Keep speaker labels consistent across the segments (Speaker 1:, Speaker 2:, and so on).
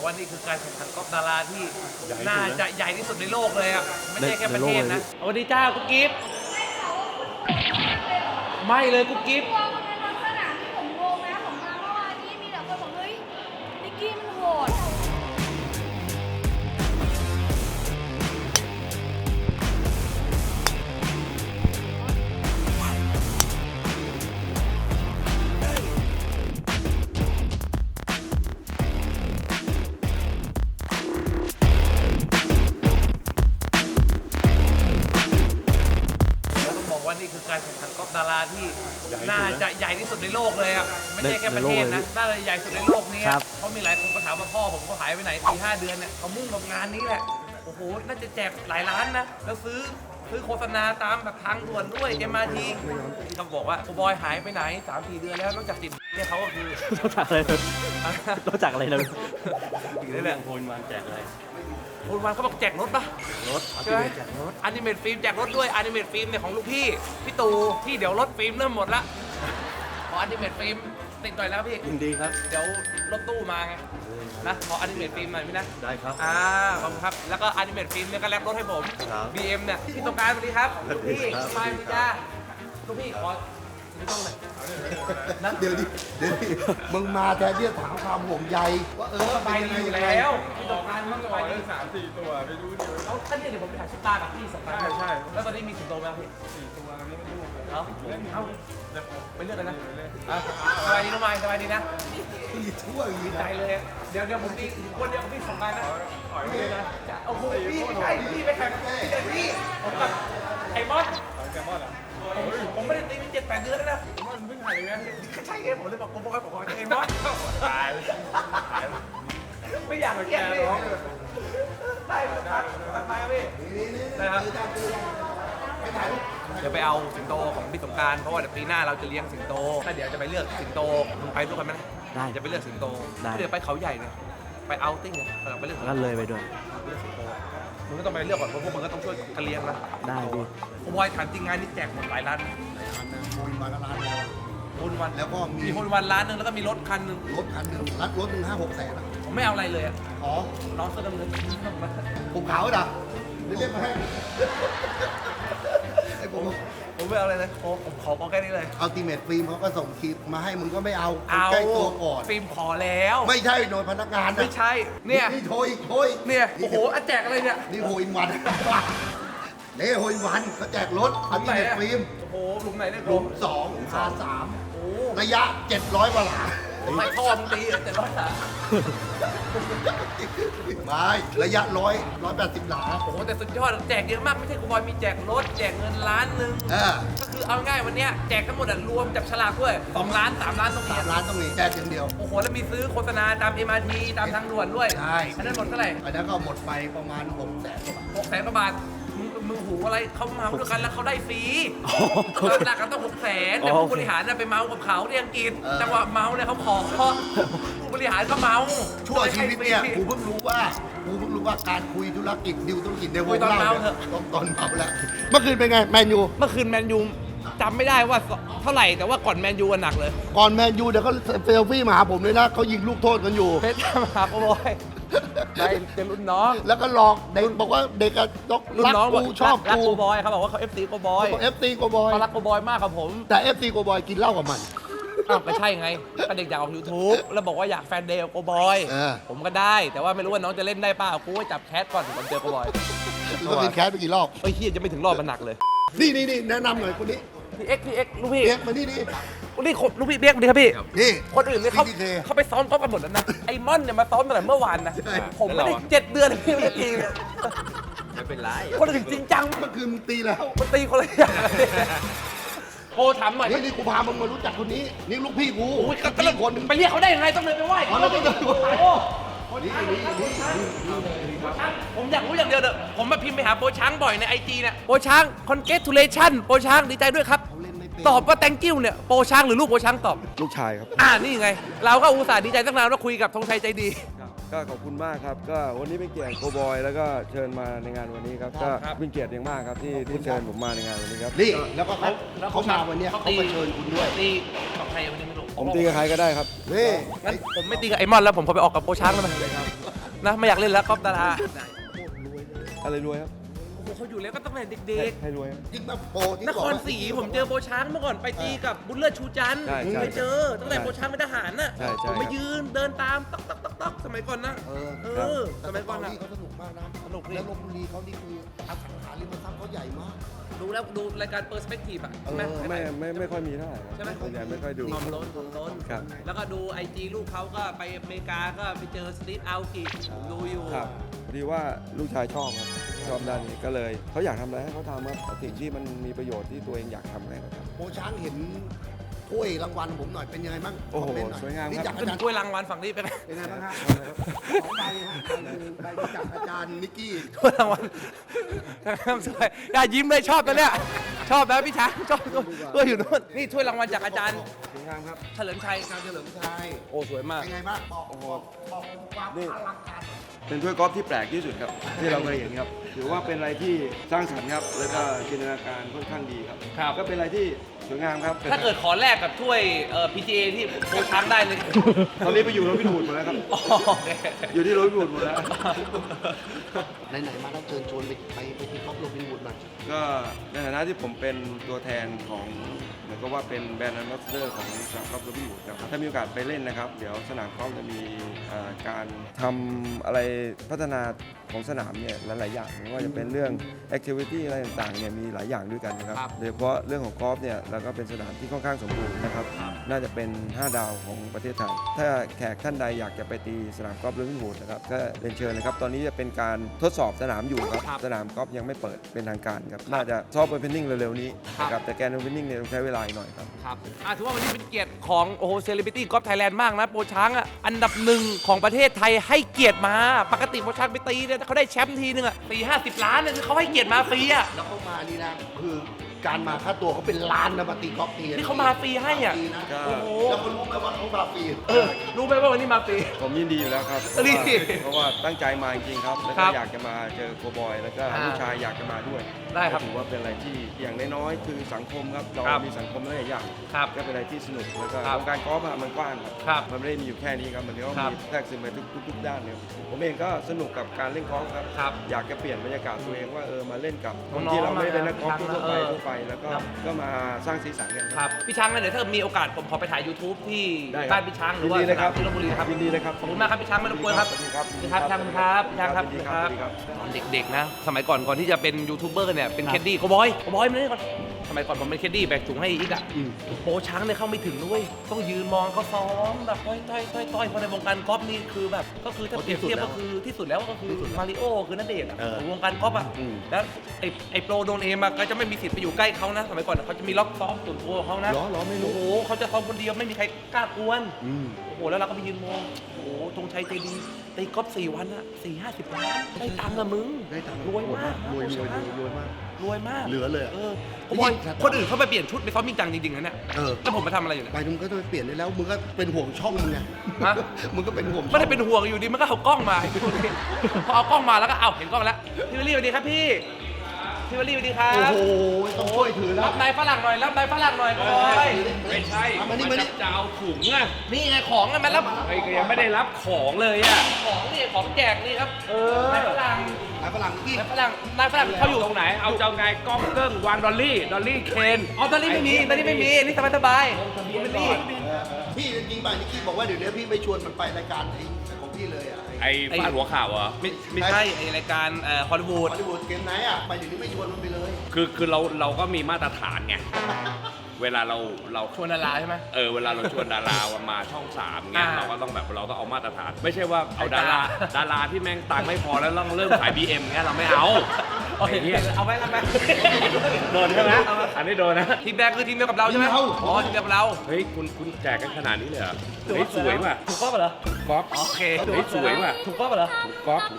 Speaker 1: ว่านี่คือการแข่งขันกอล์ฟดาราที่น่าจะใหญ่ที่สุดในโลกเลยอ่ะไม่ใช่แค่ประเทศนะสวัสดีจ้ากุ๊กกิ๊บไม่เลยกุ๊กกิ๊บ
Speaker 2: ตัวคนนั้นทั้งสนามที่ผมงงนะผมมาเมื่อวานนี้มีแต่คนบอกเฮ้ยนิกกี้มันโหด
Speaker 1: ว่านี่คือการแข่งขันกอล์ฟดาราที่น่าจะใหญ่ที่สุดในโลกเลยอ่ะไม่ใช่แค่ประเทศนะน่าจะใหญ่สุดในโลกนี้เพราะมีหลายคนก็ถามว่าพ่อผมก็หายไปไหน4-5 เดือนเนี่ยเขามุ่งกับงานนี้แหละโอ้โหน่าจะแจกหลายล้านนะแล้วซื้อโฆษณาตามแบบทางด่วนด้วย MRT เขาบอกว่าโอบอยหายไปไหน 3-4 เดือนแล้วนอกจากติดเนี่ยเขาก็คือ
Speaker 3: รู้จักอะไรเลยรู้จักอะไรเลย
Speaker 1: อีกแล้วแหละ
Speaker 3: โอนวันแจกอะไร
Speaker 1: โอนวันเขาบอกแจกรถปะ
Speaker 3: รถ
Speaker 1: ใช่ไหมอนิเมตฟิล์มแจกรถด้วยอนิเมตฟิล์มเนี่ยของลูกพี่ตู่ที่เดี๋ยวรถฟิล์มเริ่มหมดละขออนิเมตฟิล์มติดหน่อยแล้วพี่
Speaker 3: ยินดีครับ
Speaker 1: เดี๋ยวรถตู้มาไงนะขออนิเมตฟิล์มหน่อยพี่นะ
Speaker 3: ได้ครับ
Speaker 1: ขอบคุณครับแล้วก็อนิเมตฟิล์มเนี่ยก็แลกรถให้ผม
Speaker 3: ครับ
Speaker 1: BM เนี่ยพี่ตรงกลางสวัสดีครับ
Speaker 3: สวั
Speaker 1: ลู
Speaker 3: ส
Speaker 1: ก
Speaker 3: ดี
Speaker 1: พี่
Speaker 3: ครับ
Speaker 1: สบายดีจ้าลูกพี่ขอไม่ต้องเลยนะ
Speaker 4: เดี๋ยวดิมึงมาแทนที่จะถามความห่วงใยว่า
Speaker 1: สบายดีอยู่แล้วพี่ตรงกลางมันสบายดี
Speaker 5: 3-4 ตัวไม่รู้ดิ
Speaker 1: เอาท่านเนี่ยเดี๋ยวผมไปถ่ายซุปตากับพี่2 ครั้ง
Speaker 5: ใช่
Speaker 1: แล้วตอนนี้มีสิงโตไหมครับพี่
Speaker 5: 4 ตัวนี้ไม่รู้เลย
Speaker 1: เอาไปเลือกกันนะสบายดีน้องไม้สบายดีนะ
Speaker 4: มีทั่วอย่างนี้
Speaker 1: ใจ
Speaker 4: นะ
Speaker 1: เลยเดี๋ยวผมมีคนเดียวกับพี่2 งานนะพี่นะโอ้โหพี่ไม่ใช่พี่ไปแข่งพี่ผมกับไอ้มอส
Speaker 5: แกมอนเหรอ
Speaker 1: ผมไม่ได้ตีเป็น7-8 เดือนแล้วนะ
Speaker 5: มันเพิ่งถ่ายเลยนะ
Speaker 1: ใช่ไงผมเลยบอกผมบอกให้ผมขอไอ้มอส
Speaker 5: ตาย
Speaker 1: ไม่อยากเกลียดพี่ได้ครับไปครับพี่นะครับเดี๋ยวไปเอาสิงโตของพี่สงกรานต์เพราะว่าเดี๋ยวปีหน้าเราจะเลี้ยงสิงโตถ้าเดี๋ยวจะไปเลือกสิงโตมึงไปด้วยกันไหม
Speaker 3: ได้
Speaker 1: จะไปเลือกสิงโต
Speaker 3: ได้
Speaker 1: เดี๋ยวไปเขาใหญ่เนี่ยไปเอาติ้งเนี่ยเราไปเลือก
Speaker 3: ก็เลยไปด้วย
Speaker 1: เลือกสิงโตมึงก็ต้องไปเลือกก่อนเพราะพวกมึงก็ต้องช่วยกันเลี้ยงนะ
Speaker 3: ได้พี่
Speaker 1: ผมบอยถามจริงงานนี้แจกหมดหลายล้าน
Speaker 4: โอนมาละล้านแล้ว
Speaker 1: โอนวัน
Speaker 4: แล้วก็มี
Speaker 1: มีโอนวันล้านหนึงแล้วก็มีรถคันหนึง
Speaker 4: รถคันหนึ่งรถหนึ่ง5-6 แสนอะ
Speaker 1: ผมไม่เอาอะไรเลยอะ
Speaker 4: อ๋อ
Speaker 1: น้องเสื้อดำเงิน
Speaker 4: ผมขาวเหรอเดี๋ยวเรียกมาให้ไอ้ผม
Speaker 1: ผมไม่เอาอะไรเลยผมขอแค่นี้เลย
Speaker 4: อัลติเมทฟิล์มเขาก็ส่งคลิปมาให้มึงก็ไม่เอา
Speaker 1: เอา
Speaker 4: ใกล้ตัวก่อน
Speaker 1: ฟิล์มขอแล้ว
Speaker 4: ไม่ใช่โดยพนักงานนะ
Speaker 1: ไม่ใช่เนี่ย
Speaker 4: นี่โทรอีกโทรอีก
Speaker 1: เนี่ยโอ้โหอันแจกอะไรเนี่ย
Speaker 4: นี่โฮอินวันนี่โฮอินวันเขาแจกรถอัลติเมทฟิล์ม
Speaker 1: โอ้โหหลุมไหนเนี่ย
Speaker 4: หลุม2 R3
Speaker 1: โอ้
Speaker 4: ระยะ700 กว่าหลา
Speaker 1: ไม่ท่อมึงตีแต่ร้อยสาม
Speaker 4: ไม่ระยะ180 หลา
Speaker 1: โอ้โหแต่สุดยอดแจกเยอะมากไม่ใช่กูบอยมีแจกรถแจกเงินล้านหนึ่ง ก็คือเอาง่ายวันเนี้ยแจกทั้งหมดอะรวมจับฉลากด้วย2 ล้าน3 ล้านตรงนี้
Speaker 4: 3 ล้านต้องมีแจกอย่างเดียว
Speaker 1: โอ้โหแล้วมีซื้อโฆษณาตาม MRT ตามทางด่วนด้วย
Speaker 4: ใช่
Speaker 1: อันนั้นหมดเท่าไหร่
Speaker 4: อันนั้นก็หมดไปประมาณ6 แสนกว่าบาท
Speaker 1: 600,000 กว่าบาทมึงหูอะไรเขาเมาด้วยกันแล้วเขาได้ฟรีหนักกันต้อง600,000แต่ผู้บริหารน่ะไปเมากับเขาที่อังกฤษจังหวะเมาเนี่ยเขาขอผู้บริหารก็เมา
Speaker 4: ชั่วชีวิตเนี่ยกูเพิ่งรู้ว่าการคุยธุรกิจดิวธุรกิจในวงเล่าเนี่ยต้องตอนเมาแล้วเมื่อคืนเป็นไงแมนยู
Speaker 1: เมื่อคืนแมนยูจำไม่ได้ว่าเท่าไหร่แต่ว่าก่อนแมนยูหนักเลย
Speaker 4: ก่อนแมนยูเดี๋ยวเขาเซลฟี่มาหาผมเลยนะเขายิงลูกโทษกันอยู่
Speaker 1: เพชรมาครับโอ้ยได้เป็นรุ่นน้อง
Speaker 4: แล้วก็หลอกเด็กบอกว่าเด็กอะยก
Speaker 1: รุ่น
Speaker 4: รัก
Speaker 1: น้อง
Speaker 4: กูชอบ
Speaker 1: รัก
Speaker 4: กู
Speaker 1: โกบอยเขาบอกว่าเขา FC โกบอย
Speaker 4: เอฟซีโกบอย
Speaker 1: เขารักโกบอยมากครับผม
Speaker 4: แต่เอฟซีโกบอยกินเหล้ากับมัน
Speaker 1: อ้าวไม่ใช่ไงก็เด็กอยากออก YouTube แล้วบอกว่าอยากแฟนเดย์กับโกบอย
Speaker 4: เออ
Speaker 1: ผมก็ได้ แต่ว่าไม่รู้ว่าน้องจะเล่นได้เปล่ากูว่าจับแคสก่อนถึงผมเจอโกบอย
Speaker 4: แล้วกินแคสไปกี่รอบ
Speaker 1: เฮ้ยเฮียจะไม่ถึงรอบมันหนักเลย
Speaker 4: นี่แนะนำหน่อยคนนี้
Speaker 1: พี่เอ็กซ์ลูกพี่
Speaker 4: เรียกมานี่
Speaker 1: นี่ลูกพี่เบียกดีครับพี่
Speaker 4: นี่
Speaker 1: คนอื่นเนี่ยเขา
Speaker 4: CDK
Speaker 1: เขาไปซ้อมกอล์ฟกันหมดแล้วนะ ไอ้ม่อนเนี่ยมาซ้อมตั้งแต่เมื่อวานนะ
Speaker 4: ใช่
Speaker 1: ผมไม่ได้7 เดือนพี่ไม่ได้ตีเลย
Speaker 3: ไม่เป็นไร
Speaker 1: คนอื่นจริงจัง
Speaker 4: เมื่อคืนมึงตีแล้ว
Speaker 1: มันตีคนละอย่างโทรถามหน่อย
Speaker 4: นี่กูพามึงมารู้จักคนนี้ นี่ลูกพี่กู
Speaker 1: โอ้ย
Speaker 4: ลูกพี่คนหนึง
Speaker 1: ไปเรียกเขาได้ยังไงต้องเดินไปไหว้
Speaker 4: อ๋อเราต้องเดินไปไหว้
Speaker 1: โอ้
Speaker 4: นี่
Speaker 1: ผมอยากรู้อย่างเดียวเด้อผมมาพิมพ์ไปหาโปช้างบ่อยในไอจีเนี่ยโปช้าง congratulation โปช้างดีใจด้วยครับ
Speaker 4: เขาเล่นไม่เป็น
Speaker 1: ตอบว่า thank you เนี่ยโปช้างหรือลูกโปช้างตอบ
Speaker 6: ลูกชายครับ
Speaker 1: นี่ไง เราก็อุตส่าห์ดีใจตั้งนานว่าคุยกับธงชัยใจดี
Speaker 6: ก็ขอบคุณมากครับ ก็วันนี้เป็นเกียรติโกบอย แล้วก็เชิญมาในงานวันนี้ครับ ก็
Speaker 1: ครับ
Speaker 6: เป็นเกียรติอย่างมากครับที่เชิญผมมาในงานวันนี้ครับ
Speaker 4: นี่แล้วก็เขามาวันเนี้ยเขามาเชิญคุณด้วย
Speaker 1: ตีกับใครวันนี้ไม่รู้
Speaker 6: ผมตีกับใครก็ได้ครับ
Speaker 4: นี่
Speaker 1: งั้นผมไม่ตีกับไอมอนแล้วผมขอไปออกกับโปช้างแล้วมั้ยนะไม่อยากเล่นแล้วกอล์ฟดารา
Speaker 6: อะไรรวยครับ
Speaker 1: โอ้โหเขาอยู่แล้วก็ตั้งแต่เด็ก
Speaker 6: ให้รวยครับ
Speaker 4: ยิ่งแบบโปรที่
Speaker 1: ๆน
Speaker 4: บ
Speaker 1: ค
Speaker 4: อก
Speaker 1: ร
Speaker 4: ว่า
Speaker 1: ศรีผมเจอโบช้างเมื่อก่อนไปตีกับบุญเลิศชูจันทร์
Speaker 6: ใช่
Speaker 1: ผม
Speaker 6: ใช่
Speaker 1: ไปเจอตั้งแต่โบช้างเป็นทหารน่ะ
Speaker 6: ใช่ใช่
Speaker 1: ผมไป
Speaker 6: ครับ
Speaker 1: ยืนเดินตามต๊อกต๊อกต๊อกต๊อกสมัยก่อนนะ
Speaker 4: เออ
Speaker 1: เออสมัยก่อนนะ
Speaker 4: เขาสนุกมากนะ
Speaker 1: สนุกดิ
Speaker 4: แล้วลพบุรีเขานี่คืออสังหาริมทรัพย์เขาใหญ่มาก
Speaker 1: ดูแล้วดูรายการเปอร์สเปกทีฟอ่ะใช่ไหม
Speaker 6: ไม่ค่อยมีเท่าไหร่ครับ
Speaker 1: ใช่ไหม
Speaker 6: ส่วนใหญ่ไม่ค่อยดู
Speaker 1: หอมล้นหอมล้น
Speaker 6: ครับ
Speaker 1: แล้วก็ดูไอจีลูกเขาก็ไปอเมริกาก็ไปเจอสตีฟอัลกิผมดูอยู่
Speaker 6: ครับพอดีว่าลูกชายชอบครับชอบด้านนี้ก็เลยเขาอยากทำอะไรให้เขาทำครับสิ่งที่มันมีประโยชน์ที่ตัวเองอยากทำให้เขาท
Speaker 4: โปรช้างเห็นถ้วยรางวัลผมหน่อยเป็นยังไงบ้าง
Speaker 6: โอ้โห
Speaker 4: คมเมนต์น่
Speaker 6: สวยงามครับ
Speaker 4: นี่จากอา
Speaker 1: ขึ้น
Speaker 4: จารย์
Speaker 1: ถ้วยรางวัลฝั่งนี้ไปไหม
Speaker 4: เป็นไงบ้างฮะสองใบฮะใบจากอาจารย์นิกกี้
Speaker 1: ถ้วยรางวัลสวยอย่ายิ้มเลยชอบตัวเนี้ยชอบนะพี่ช้างชอบตัวอยู่นู่นนี่ถ้วยรางวัลจากอาจารย์
Speaker 6: ำสวยงามครับ
Speaker 1: เฉลิมชัย
Speaker 4: อาจารย์เฉลิมชัย
Speaker 1: โอ้สวยมาก
Speaker 4: เป็นไงบ้างบอกความ
Speaker 6: นี่
Speaker 4: อลังการ
Speaker 6: เป็นถ้วยกอล์ฟที่แปลกที่สุดครับ ที่เราเคยเห็นครับถือว่าเป็นอะไรที่สร้างสรรค์ครับแล้วก็จินตนาการค่อนข้างดีครับ
Speaker 1: ครับ
Speaker 6: ก็เป็นอะไรที่สวยงามครับ
Speaker 1: ถ้าเกิดขอแลกกับถ้วย PGA ที่โบช้างได้เลย
Speaker 6: ตอนนี้ไปอยู่รถพิบูลหมดแล้วครับ
Speaker 1: อ๋อโอเค
Speaker 6: อยู่ที่รถพิบูลหมดแล้ว
Speaker 4: ไหนๆมาแล้วเชิญชวนไปที่ครอบโรบินวูดหน่อย
Speaker 6: ก็ในฐานะที่ผมเป็นตัวแทนของเหมือนกับว่าเป็นแบรนด์แอมบาสเดอร์ของสนามกอล์ฟโรบินวูดครับถ้ามีโอกาสไปเล่นนะครับ เดี๋ยวสนามกอล์ฟจะมีการทำอะไรพัฒนาของสนามเนี่ยหลายๆอย่างไม่ว่าจะเป็นเรื่องแอคทิวิตี้อะไรต่างๆเนี่ยมีหลายอย่างด้วยกันนะครับโดยเฉพาะเรื่องของกอล์ฟเนี่ยเราก็เป็นสนามที่ค่อนข้างสมบูรณ์นะครับน่าจะเป็น 5 ดาวของประเทศไทยถ้าแขกท่านใดอยากจะไปตีสนามกอล์ฟโรบินวูดนะครับก็เรียนเชิญนะครับตอนนี้จะเป็นการทดสอบสนามอยู่ครับสนามกอล์ฟยังไม่เปิดเป็นทางการครับน่าจะซอฟต์โอเพนนิ่งเร็วๆนี้นะครับแต่แกนโอเพนนิ่งเนี่ยต้องใช้เวลาอีกหน่อยครับ
Speaker 1: ครับถือว่าวันนี้เป็นเกียรติของโอ้โหเซเลบริตี้กอล์ฟไทยแลนด์มากนะโปรช้างอ่ะอันดับหนึ่งของประเทศไทยให้เกียรติมาปกติโปรช้างไปตีเนี่ยเขาได้แชมป์ทีนึงอ่ะตี50 ล้านเนี่ยคือเขาให้เกียรติมาฟรีอ่ะ
Speaker 4: แล้วเขามานี่นะคือการมาค่าตัวเขาเป็นล้านนะมาตีกอล์ฟที
Speaker 1: นี่เขามาฟรีให้อ่ะ
Speaker 4: ฟรีนะ
Speaker 1: โอ้โห
Speaker 4: แล้วคนรู้ไหมว่าเขามาฟรี
Speaker 1: รู้ไหมว่าวันนี้มาฟรี
Speaker 6: ผมยินดีอยู่แล้วครับ
Speaker 1: นี่
Speaker 6: เพราะว่าตั้งใจมาจริงๆครับแล้ว
Speaker 1: ครั
Speaker 6: ก็
Speaker 1: บ
Speaker 6: อยากจะมาเจอโกบอย แล้วก็ลูกชายอยากจะมาด้วย
Speaker 1: ได้ครับ
Speaker 6: ก็ถือว่าเป็นอะไรที่อย่างน้อยๆคือสังคมครับเรา
Speaker 1: ครับ
Speaker 6: มีสังคมหลายอย่าง
Speaker 1: ครับ
Speaker 6: ก็เป็นอะไรที่สนุกแล้วก็
Speaker 1: ครับ
Speaker 6: วงการกอล์ฟอะมันกว้างครับ
Speaker 1: ครับ
Speaker 6: มันไม่ได้มีอยู่แค่นี้ครับมันก็
Speaker 1: ครับ
Speaker 6: มีแทรกซึมไปทุกด้านเลยผมเองก็สนุกกับการเล่นกอล์ฟครับ
Speaker 1: ครับ
Speaker 6: อยากจะเปลี่ยนบรรยากาศตัวเองว่ามาเล่นกับคน
Speaker 1: น้องๆ
Speaker 6: ที่เราไม่ได้เป็นนักกอล์ฟ
Speaker 1: มา
Speaker 6: ทั่วไปแล้วก็
Speaker 1: ครับ
Speaker 6: ก็มาสร้างสีสันกัน
Speaker 1: ครับพี่ช้างงั้นเดี๋ยวถ้ามีโอกาสผมขอไปถ่าย YouTube ที่
Speaker 6: ได้ครับ
Speaker 1: บ้านพี่ช้างหรือว่า
Speaker 6: ยินดีเลยครับ
Speaker 1: ที่ลพบุรีครับ
Speaker 6: ยินดีเลยครับ
Speaker 1: ขอบคุณมากครับพี่ช้างไม่รบกวนครับ
Speaker 6: สวัสดีครับ
Speaker 1: สวัสดีครับพี่ช้างครับพี่ช้างครับ
Speaker 6: ยินดีครับสวัสดีครับ
Speaker 1: ตอนเด็กๆนะ สมัยก่อนที่จะเป็นยูทูบเบอร์เนี่ยเป็นแคดดี้โกบอยมาเลยก่อนสมัยก่อนผมเป็นแคดดี้แบกถุงให้อีกอ่ะโปรช้างเนี่ยเข้าไม่ถึงด้วยต้องยืนมองเขาซ้อมแบบต้อยเพราะในวงการกอล์ฟนี่คือแบบก็คือถ้าเปรียบเทียบก็คือที่สุดแล้วก็คือมาริโอคือณเดชน์อะของวงการกอล์ฟอ่ะแล้วไอ้โปรโดนเอมอะก็จะไม่มีสิทธิ์ไปอยู่ใกล้เขานะสมัยก่อนเขาจะมีล็อกซ้อมส่วนตัวของเขานะ
Speaker 4: เหรอไม่รู้
Speaker 1: โอ้โหเขาจะซ้อมคนเดียวไม่มีใครกล้ากวน โอ้โห แล้วเราก็ไปยืนมอง โอ้โหธงชัยใจดีตีกอล์ฟ4 วันอะ40 ล้าน ได้ตังค์อะมึง
Speaker 4: ได้ตังค์
Speaker 1: รวยมาก
Speaker 4: รวย
Speaker 1: นะ
Speaker 4: มาก
Speaker 1: รวยมาก
Speaker 4: เหลือเลยอะ
Speaker 1: โอ้ยคนอื่นเขาไปเปลี่ยนชุดไปซ้อมจริงจังจริงๆนะเนี่ย
Speaker 4: เออ
Speaker 1: แล้วผมมาทำอะไรอยู่เนี่ย
Speaker 4: ไปมึงก็ต้องไปเปลี่ยนได้แล้วมึงก็เป็นห่วงช่องมึงไง
Speaker 1: ฮะ
Speaker 4: มึงก็เป็นห่วงช่อง
Speaker 1: ไม่ได้เป็นห่วงอยู่ดีมันก็เอากล้องมา พอเอากล้องมาแล้วก็เอาเห็นกล้องแล้วพี่วลีสวัสดีครับพี่วลีสวัสดีครับ
Speaker 4: โอ้โหต้องช่วยถือแล้ว
Speaker 1: รับนายฝรั่งหน่อยรับนายฝรั่งหน่อยโอ้ย
Speaker 5: ไม่ใช่
Speaker 4: มานี่
Speaker 5: จะเอาถุงอ่ะ
Speaker 1: นี่ไงของอะมันรับ
Speaker 5: ไอ้ก็ยังไม่ได้รับของเลยอ่ะ
Speaker 1: ของนี่ของแจกนี่ครับนายฝรั่ง
Speaker 4: นายฝรั่งนี่
Speaker 1: นายฝรั่งเขาอยู่
Speaker 5: ตรงไหน เอาเจ้าไงกล้องเกิ้งวางดอลลี่เคน
Speaker 1: อ๋อตอนนี้ไม่มีนี่สบายไม่มี
Speaker 4: พี่จริงๆป่ะนิกกี้บอกว่าเดี๋ยวนี้พี่ไม่ชวนมันไปรายการไอ้ของพี่เลยอ่ะ
Speaker 5: ไอ้ฟาดหัวข่าวเหรอ
Speaker 1: ไม่ใช่ไอรายการฮอลลีวูด
Speaker 4: ฮอลลีวูดเกมไนท์อ่ะไปเดี๋ยวนี้ไม่ชวนมันไปเลย
Speaker 5: คือเราก็มีมาตรฐานไง เวลาเรา
Speaker 1: ชวนดาราใช่ไหม
Speaker 5: เวลาเราชวนดารามาช่อง3เงี้ย
Speaker 1: อ่า
Speaker 5: เราก็ต้องเอามาตรฐาน ไม่ใช่ว่าเอา
Speaker 1: ไอ้ตา
Speaker 5: ดาราที่แม่งตังค์ไม่พอแล้วต้องเริ่มขาย BM เงี้ยเราไม่เอา
Speaker 1: โอเค
Speaker 5: ไอ้เหี้ย
Speaker 1: เอาไว้ทำไม
Speaker 5: โดนใช่ไหมอันนี้โดนนะ
Speaker 1: ทีมแดงคือทีมเดียวกับเราใช่ไหม
Speaker 4: ทีมเรา
Speaker 1: อ๋อทีมเดียวกับเรา
Speaker 5: เฮ้ยคุณแจกกันขนาดนี้เลยเหรอเฮ้ยสวยว่ะ
Speaker 1: ถูกก๊อฟเหรอ
Speaker 5: ก๊อฟ
Speaker 1: โอเค
Speaker 5: เฮ้ยสวยว่ะ
Speaker 1: ถูกก๊อฟเหรอ
Speaker 5: ก๊อฟ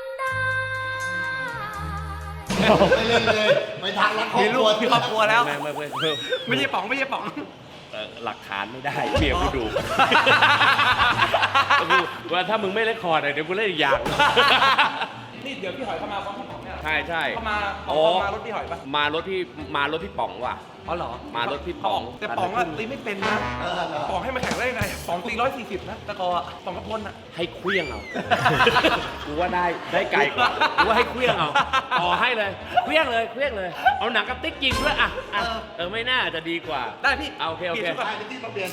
Speaker 4: ไปเล่นเลยไปทางรักครอบ
Speaker 1: มี
Speaker 4: ค
Speaker 1: ลู
Speaker 4: รั
Speaker 1: ก
Speaker 4: ว
Speaker 1: มีครอบครัวแล้ว
Speaker 5: ไม่
Speaker 1: ไม่ใช่ป๋อง
Speaker 5: หลักฐานไม่ได้เมียกูดู ว่าถ้ามึงไม่เล่นคอร์ดเดี๋ยวกูเล่นอีกอย่าง
Speaker 1: นี่เดี๋ยวพี่หอยเข้ามาพร้อมพี่ป๋องเนี่ย
Speaker 5: ใช่ใช่
Speaker 1: เข้ามารถพี่หอยปะ
Speaker 5: มารถพี่ป๋องว่ะ
Speaker 1: อ๋อเหรอ
Speaker 5: มารถพี่ป๋อง
Speaker 1: แต่ป๋องอะตีไม่เป็นนะป๋องให้มาแข่งได้ยังไงป๋องตี140นะตะกออะป๋องกระพลอะ
Speaker 5: ให้เคลี้ยงเอา กูว่าได้ไกลกว่ากูว่าให้เคลี้ยงเอาต่อให้เลยเคลี้ยงเลยเอาหนังกระติกยิงด้วยอ่ะไม่น่าจะดีกว่า
Speaker 1: ได้พี่
Speaker 5: เอาโอเค
Speaker 1: ปลี่ยนชุดก่อน
Speaker 4: ที่มาเปลี่ยน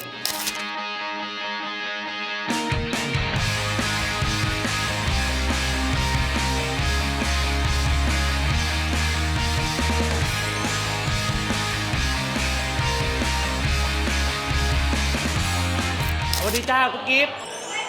Speaker 1: สวัสดีจ้ากุ๊กกิ๊บ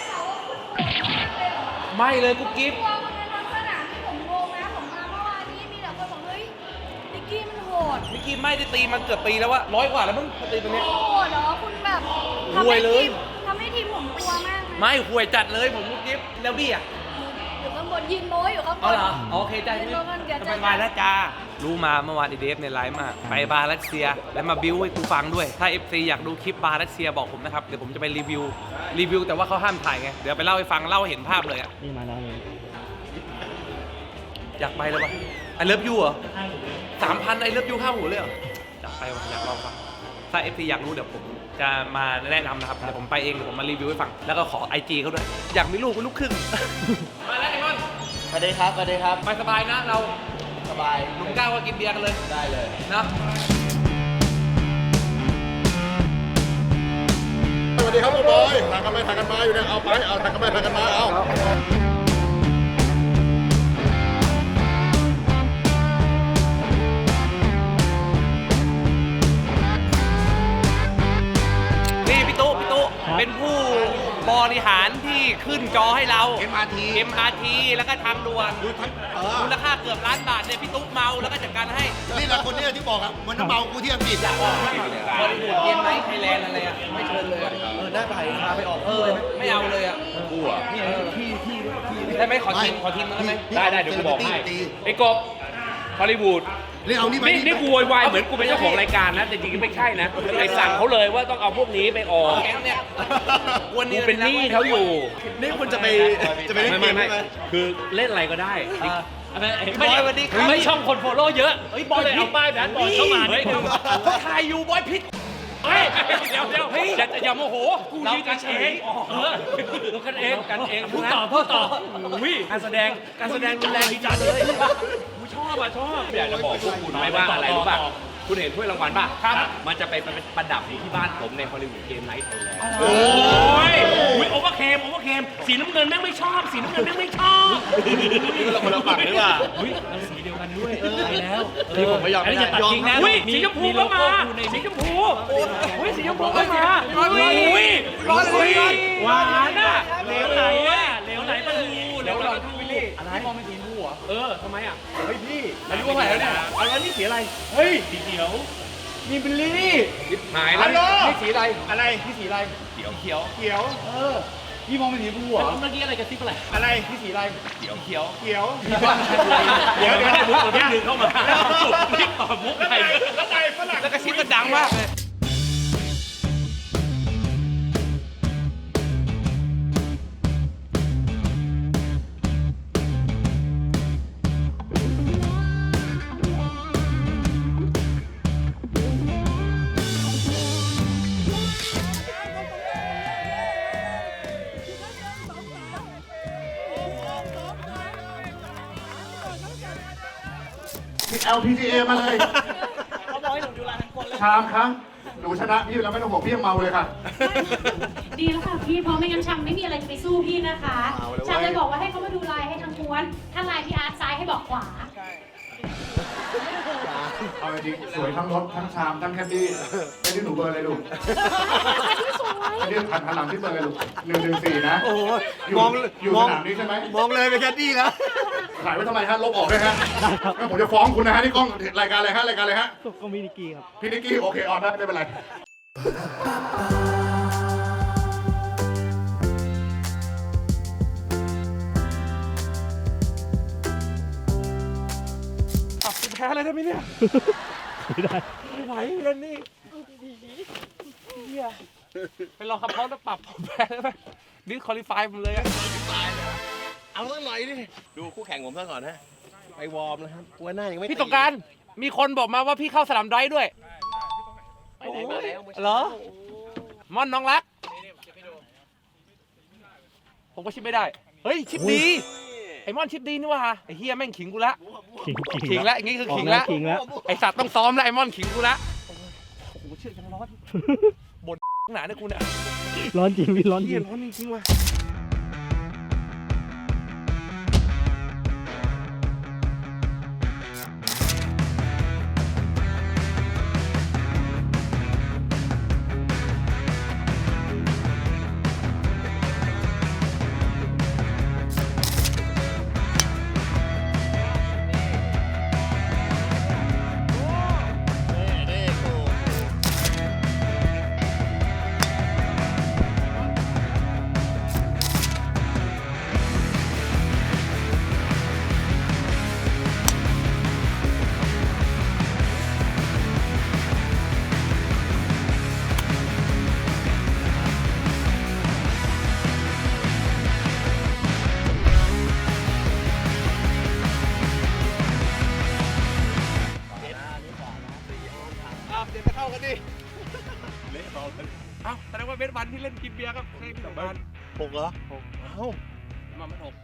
Speaker 1: ไม่เลยกุ๊กกิ๊บ
Speaker 2: ตัวคนในทั้งสนามที่ผมงงนะผมมาเมื่อวานนี้มีแต่คนบอกเฮ้ยนิกกี้มันโหด
Speaker 1: นิกกี้ไม่ได้ตีมันเกือบปีแล้ววะ100 กว่าแล้วมึงตีตัวเนี้ย
Speaker 2: โหดเหรอคุณแบบ
Speaker 1: ห่วยเลย
Speaker 2: ทำให้ทีมผมกลัวมากนะ
Speaker 1: ไม่ห่วยจัดเลยผมกุ๊กกิ๊บแล้วบี้อ่ะ
Speaker 2: อยู่ข้างบนยืนโม้อยู่ข้างบ
Speaker 1: อ๋อน เหรอโอเคจ้า
Speaker 2: ยืนโม้กันเดี๋ยว
Speaker 1: ส
Speaker 2: จะ
Speaker 1: บายๆแล้วจ้ารู้มาเมื่อวานไอเดฟในไลฟ์มากไปบาร์รัสเซียแล้วมาบิ้วให้กูฟังด้วยถ้า FC อยากดูคลิปบาร์รัสเซียบอกผมนะครับเดี๋ยวผมจะไปรีวิวแต่ว่าเขาห้ามถ่ายไงเดี๋ยวไปเล่าให้ฟังเล่าให้เห็นภาพเลยอ่ะ
Speaker 3: นี่มาแล้วเลย
Speaker 1: อยากไปเลยวะไอเลิฟยูเหรอ3,000ไอเลิฟยูข้าวหูเลยเหรออยากไปวะอยากลองฟังถ้า FC อยากรู้เดี๋ยวผมจะมาแนะนำนะครับเดี๋ยวผมไปเองเดี๋ยวผมมารีวิวให้ฟังแล้วก็ขอ IG เขาด้วยอยากมีลูกเป็นลูกครึ่ง มาแล้วไอ้มอน
Speaker 3: สวัสดีครับ สวัสดีครับ
Speaker 1: ไปสบายนะเรา
Speaker 3: สบาย
Speaker 1: หนุ่มก้าวก็กินเบียร์กันเลย
Speaker 3: ได้เลย
Speaker 1: นะ
Speaker 4: สวัสดีครับบอยถ่ายกันไปถ่ายกันมาอยู่เนี่ยเอาไปเอาถ่ายกันไปถ่ายกันมาเอา
Speaker 1: นี่พี่ตุ๊เป็นผู้บริหารที่ขึ้นจอให้เรา MRT แล้วก็ทางด่วนมูลค่าเกือบล้านบาทเนี่ยพี่ตุ๊เมาแล้วก็จัดการให้
Speaker 4: นี่แหละคนเนี้ที่บอกอะมันเมากูที่อังกฤษอะ
Speaker 1: บริบูรณ์เกมไนท์ไทยแลนด์อะไรอ่ะไม่เชิญเลยอะได้ไปพาไปออกไม่เอาเลยอ่ะกูอ่ะพี่ได้ไหมขอทีมได้ไหม
Speaker 5: ได้เดี๋ยวกูบอกให้ไอ้กบฮอลลีวูด
Speaker 4: นี่เอานี่มา
Speaker 5: นี่กูโวยวายเหมือนกูเป็นเจ้าของรายการนะแต่จริงๆไม่ใช่นะไอ้สั่งเขาเลยว่าต้องเอาพวกนี้ไปออก
Speaker 1: แก๊งเนี่ย
Speaker 5: กูเป็นหนี้เขาอยู่
Speaker 3: นี่คุณจะไปเล่นเกม
Speaker 5: ไม่
Speaker 3: ใช่ไหม
Speaker 5: คือเล่นอะไรก็ได้
Speaker 1: บอยสวัสดีครับ
Speaker 5: ไม่ช่องคนโฟโล่เยอะบอยเลยเอาป้ายแบนบอลเข้ามานิดนึง
Speaker 1: ถ่ายอยู่บอยพิษ
Speaker 5: เฮ้ยเดี๋ยวอย่าโมโหกูยืนกันเองเรากันเองพูดต่ออุ้ยการแสดงรุนแรงดีจังเลยกูชอบอยากจะบอกพวกคุณไหมว่าอะไรรู้ป่ะคุณเห็นถ้วยรางวัลป่ะครับมันจะไปประดับอยู่ที่บ้านผมในฮอลลีวูดเกมไนท์ไทยแลนด์โอ้ยโอเวอร์เคมสีน้ำเงินแม่งไม่ชอบเราคนละฝั่งหรือเปล่าเราสีเดียวกันด้วยไปแล้วนี่ผมไม่ยอมไม่ได้ตัดจริงนะสีชมพูก็มาสีชมพูสีชมพูก็มาหวานอ่ะเหลวไหลปลาทูอะไรมองเป็นสีชมพูเหรอทำไมอ่ะเฮ้ยพี่อายุเท่าไหร่แล้วเนี่ยอะไรนี่สีอะไรเฮ้ยสีเขียวมีบิลลี่หายแล้วนี่สีอะไรพี่สีอะไรเขียวพี่มองเป็นสีชมพูเหรอเมื่อกี้อะไรกระซิบอะไรพี่สีอะไรเขียวเดี๋ยวให้มุกตัวนึงเข้ามารีบตอบมุกไทย
Speaker 1: แล้วก็ชิ้นก็ดังมากเลย
Speaker 4: LPGA มาเลยชามครั้งหนูชนะพี่แล้วไม่ต้องห่วงพี่ยังเมาเลยค่ะ
Speaker 7: ดีแล้วค่ะพี่เพราะไม่งั้นชังไม่มีอะไรจะไปสู้พี่นะคะชังเลยบอกว่าให้เขามาดูลายให้ทางม้วนถ้าลายพี่อาร์ตซ้ายให้บอกขวา
Speaker 8: เอาจริงสวยทั้งรถทั้งชามทั้งแคดดี้ไอ้ที่หนูเบอร์อะไรลูกไอ้ที่หันหลังที่เบอร์อะไรลูก114นะ
Speaker 4: โอ้โห
Speaker 8: อยู่สนามนี้ใช่ไหม
Speaker 4: มองเลยเป็นแคดดี้นะ
Speaker 8: ขายไว้ทำไมฮะลบออกด้วยฮะงั้นผมจะฟ้องคุณนะฮะนี่กล้องรายการอะไรฮะก็มินิกี้ครับพี่นิกกี้โอเคออนได้ไม่เป็นไร
Speaker 1: แพ้อะไรได้ไหมเนี่ยไม่ไหวเล่นนี่ไปลองคำพ้องแล้วปรับผมแพ้ได้ไหมดิสคอลิฟายมันเลยอะเอาสักหน่อย
Speaker 3: ดิดูคู่แข่งผมซะก่อนนะไปวอร์มนะครับกลัวหน้ายังไม่
Speaker 1: พี่สงกรารมีคนบอกมาว่าพี่เข้าสนามไดร์ด้วย
Speaker 3: ไปไหนมาแล้ว
Speaker 1: เหรอม่อนน้องรักผมก็ชิปไม่ได้เฮ้ยชิปดีไอ้ม่อนชิปดีนี่ว่ะไอ้เฮียแม่งขิงกูละขิงละอย่างงี้คือขิงละไอ้สัตว์ต้องซ้อมละไอ้ม่อนขิงกูละโอ้โหเชือกยังร้อนบ่นหนาเนี่ยกูเนี่ย
Speaker 5: ร้อนจริงพี่ร้อนจ
Speaker 1: เฮี
Speaker 5: ริ
Speaker 1: ย
Speaker 5: ง
Speaker 1: ร้อนจริงๆว่ะเดี๋ยวจะเข้ากันดิเอ้าแสดงว่าเบสวันที่เล่นกินเบียร์ครับใช่พี่สงกราร
Speaker 3: 6เหรอ6เอ้า
Speaker 1: มาไม่ถูก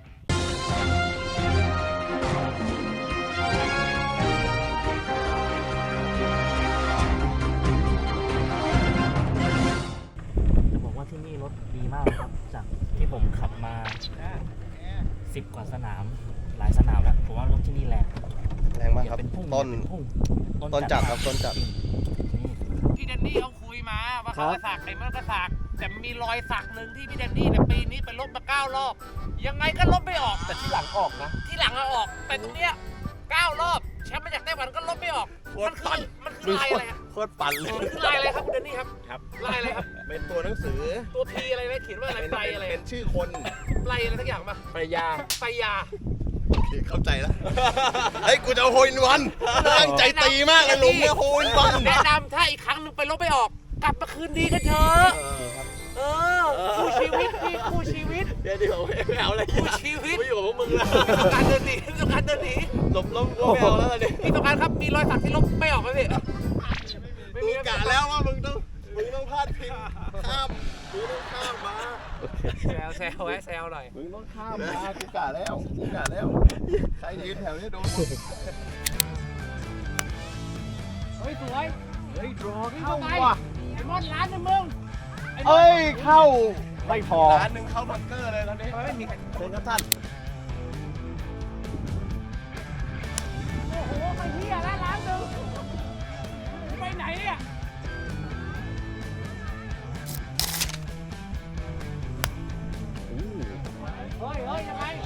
Speaker 5: จะบอกว่าที่นี่รถดีมากเลยครับ จากที่ผมขับมา 10 กว่าสนาม หลายสนามแล้ว ผมว่ารถที่นี่แรง
Speaker 3: แรงมากครับ
Speaker 5: เป็นพุ่ง
Speaker 3: ต้น
Speaker 5: เป็นพุ่ง
Speaker 3: ต้นจัดครับต้นจัด
Speaker 1: พี่แดนนี่เขาคุยมาว่าเขาไปสักไอ้มันก็สักแต่มีรอยสักหนึ่งที่พี่แดนนี่เนี่ยปีนี้ไปลบมา9 รอบยังไงก็ลบไม่ออกแต่ที่หลังออกนะที่หลังเอาออกแต่ตรงเนี้ย9 รอบแชมป์มาจากไต้หวันก็ลบไม่ออกมันคือลายอะไรครับ
Speaker 3: โคตรปั่นเลย
Speaker 1: มันคือลายอะไรครับคุณแดนนี่ครับ
Speaker 3: ครับ
Speaker 1: ลายอะไรครับ
Speaker 3: เป็นตัวหนังสือ
Speaker 1: ตัวพีอะไรนะเขียนว่าอะไรไตรอะไร
Speaker 3: เป็นชื่อคน
Speaker 1: ไตรอะไรสักอย่างป่ะ
Speaker 3: ปริยา
Speaker 1: ไตรยา
Speaker 3: เข้าใจแล้ว เฮ้ย กูจะเอาโฮอินวันตั้งใจตีมากเลยลุงเนี่ยโฮอินวัน
Speaker 1: แนะนำถ้าอีกครั้งหนึ่งไปลบไม่ออก กลับมาคืนดีกันเถอะเออคู่ชีวิตพี่คู่ชีวิต
Speaker 3: เดี๋ยวไม่เอาอะไร
Speaker 1: คู่ชีวิต
Speaker 3: ไม่อยู่กับพวกมึงแล้ว
Speaker 1: พี่ต้องการเดินหนีพี่ต้องการเดินหนี
Speaker 3: หลบล้มกูไม่เอาแล้วเนี่ย
Speaker 1: พี่ต้องการครับมีรอยสักที่ลบไม่ออกไหมพี่ไม่
Speaker 3: กู
Speaker 1: มี
Speaker 3: กะแล้วว่ามึงต้องพลาดพิงข้ามมึงต้องข้ามมา
Speaker 1: แซวไว้แซวหน่อย
Speaker 3: มึงต้องข้ามมากูกะแล้วใครยืนแถวนี้โดน
Speaker 1: เฮ้ยสวยเฮ้ยรอเข้าว่ะไอ้มอดร้านนึงมึง
Speaker 3: เอ้ยเข้า
Speaker 5: ไม่พอ
Speaker 3: ร้านหนึ่งเข้าบังเกอร์เลยตอนนี้
Speaker 1: ไม่มีใคร
Speaker 3: เชิญครับท่าน
Speaker 1: โอ้โหไปเที่ยแล้วร้านนึงไปไหนเนี่ยเฮ้ยยังไง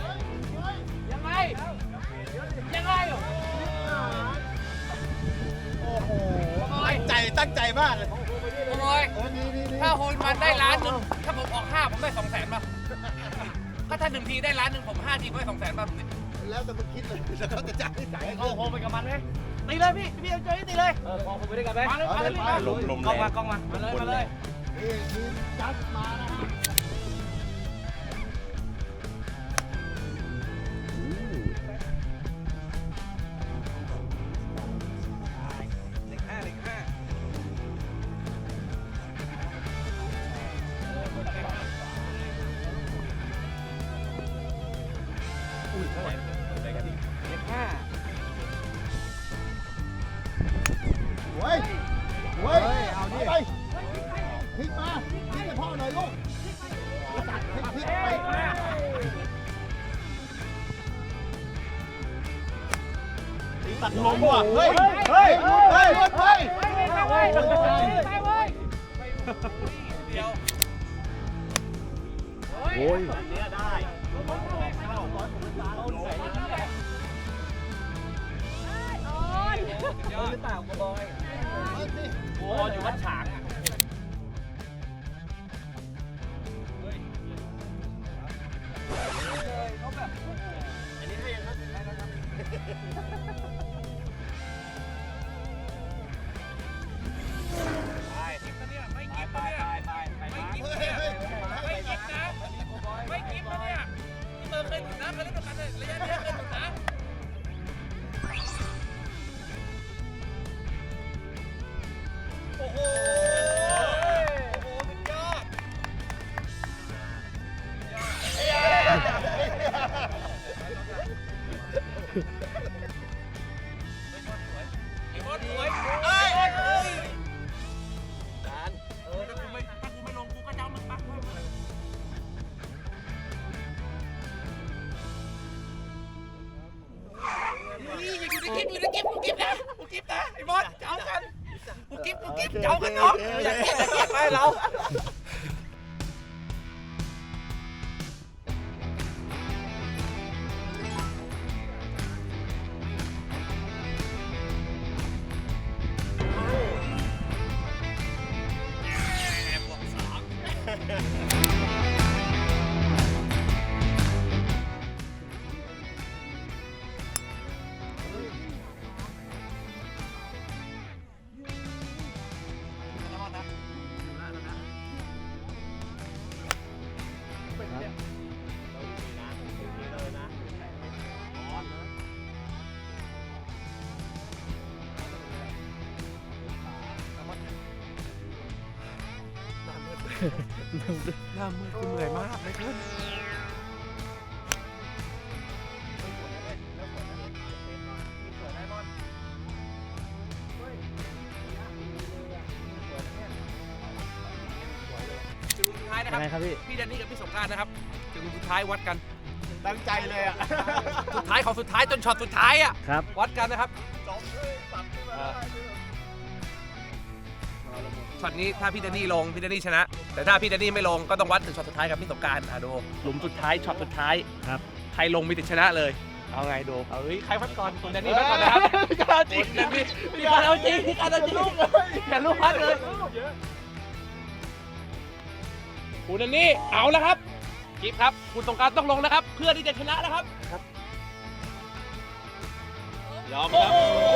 Speaker 3: ตั้งใจมากเลย
Speaker 1: โอ้ยถ้าโฮลมันได้ล้านหนึ่งถ้าผมออก5ผมได้200,000ป่ะก็ถ้า1 ทีได้ล้านหนึ่งผม5 ทีผมได้200,000ป่ะผม
Speaker 3: แล้วแต่มึงคิดเลยแล้วเขาจะจ่าย
Speaker 1: เข้าโฮมไปกับมันไหมตีเลยพี่เอาใจตีเลยกองไปด้วยกันไหมมาเลยกล้องมามาเลย
Speaker 4: นี่ทีมจัดมานะฮะ เฮ้ยเอาดิไปพลิกมาพลิกให้พ่อหน่อยลูกพลิกไปตัดลมว่ะเฮ้ยโอ้ยเนี่ยได้หรือเปล่ากบอยโอ้อยู่วัดฉางอ่ะอันนี้ให้ยังครับได้แล้วครับไปกินนะเนี่ยไม่กินนะเนี่ยไม่กินนะนี่เบอร์เคยถึงนะเคยเล่นด้วยกันเลย
Speaker 1: ระยะนี้สุดนะโอ้โหสุดยอดไอ้บอสสวยเอ้ยถ้ากูไม่ลงกูก็จะเอามึงปักไว้อยู่ในกิ๊บกูกิ๊บนะไอ้บอสเจ้ากันกูกิ๊บเจ้ากันน้องอย่าเก็บไปเราหน้ามืดกูเหนื่อยมากเลยขึ้นถึงสุดท้ายนะครับพี่แดนนี่กับพี่สงกรานต์นะครับถึงสุดท้ายวัดกันตั้งใจเลยอ่ะสุดท้ายของสุดท้ายจนช็อตสุดท้ายอ่ะวัดกันนะครับช็อตนี้ถ้าพี่แดนนี่ลงพี่แดนนี่ชนะแต่ถ้าพี่แดนนี่ไม่ลงก็ต้องวัดถึงช็อตสุดท้ายกับพี่สงกรานต์ดูหลุมสุดท้ายช็อตสุดท้ายครับใครลงมีติดชนะเลยเอาไงดูเอาใครวัดก่อนคุณแดนนี่วัดก่อนนะครับพี่การเอาจริงพี่การเอาจริงอย่าลูกพัดเลยคุณแดนนี่เอาแล้วครับกิ๊บครับคุณสงกรานต์ต้องลงนะครับเพื่อที่จะชนะนะครับยอมครับ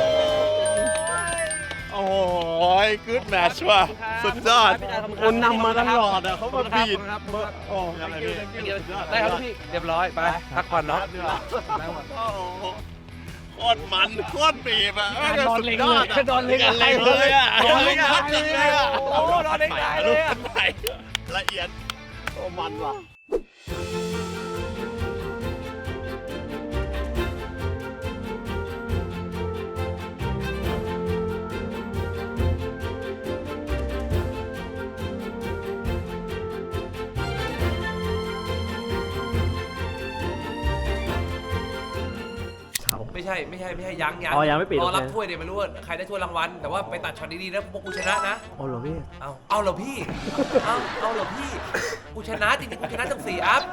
Speaker 3: โอ้ยกู๊ดแมทช์ว่ะสุดยอดคนนำมาตลอดอ่ะเขามาบีดโอ้
Speaker 1: ได้ครับพี่เรียบร้อยไปพักผ่อนเนาะ
Speaker 3: โคตรมันโคตรบีบอ่ะ
Speaker 1: นอนเล็งเลยนอนเล็ง
Speaker 3: เลยอ่ะนอนเล็งเลยอ่ะ
Speaker 1: โอ้นอนเล็งเลยอ่ะ
Speaker 3: ละเอียดโอ้มันว่ะ
Speaker 1: ไม่ใช่ยังยังไม่ปิดรอรับถ้วยเดี๋ยวไม่รู้ว่าใครได้ถ้วยรางวัลแต่ว่าไปตัดช็อตดีๆนะพวกกูชนะนะ
Speaker 5: เอาเหรอพี่
Speaker 1: เอาเหรอพี่กูชนะจริงๆกูชนะตั้ง4 อัพ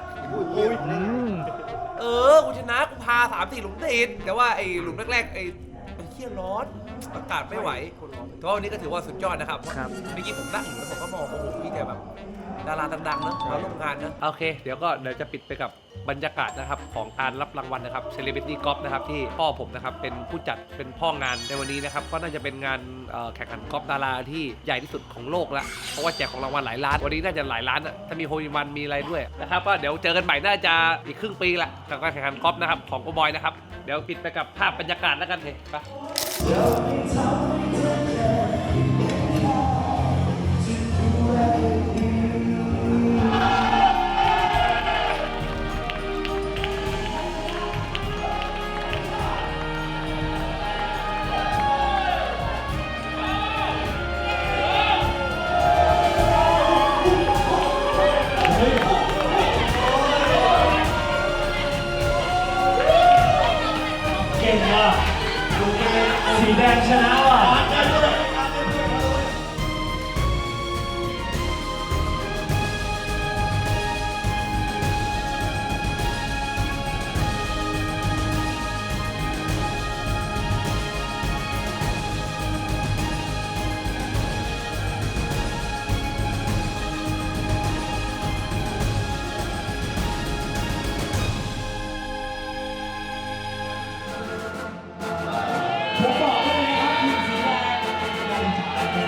Speaker 1: กูชนะกูพา3-4 หลุมติดแต่ว่าไอ้หลุมแรกๆไอ้เขี้ยร้อนอากาศไม่ไหวแต่ว่าวันนี้ก็ถือว่าสุดยอดนะครับเมื่อกี้ผมนั่งอยู่แล้วผมก็มองโอ้โหพี่แต่แบบดาราดังๆนะมาร่วมงานนะโอเคเดี๋ยวจะปิดไปกับบรรยากาศนะครับของการรับรางวัลนะครับ Celebrity Golf นะครับที่พ่อผมนะครับเป็นผู้จัดเป็นพ่องานในวันนี้นะครับก็น่าจะเป็นงานแข่งขันกอล์ฟดาราที่ใหญ่ที่สุดของโลกแล้วเพราะว่าแจกของรางวัลหลายล้านวันนี้น่าจะหลายล้านถ้ามีโฮลมันมีอะไรด้วยนะครับก็เดี๋ยวเจอกันใหม่น่าจะอีกครึ่งปีละกับการแข่งขันกอล์ฟนะครับของโกบอยนะครับเดี๋ยวปิดไปกับภาพบรรยากาศแล้วกันเลยไป
Speaker 5: สีแดงชนะว่ะ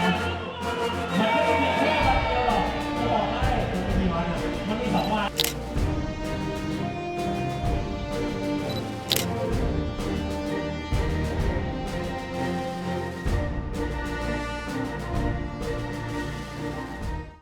Speaker 7: เ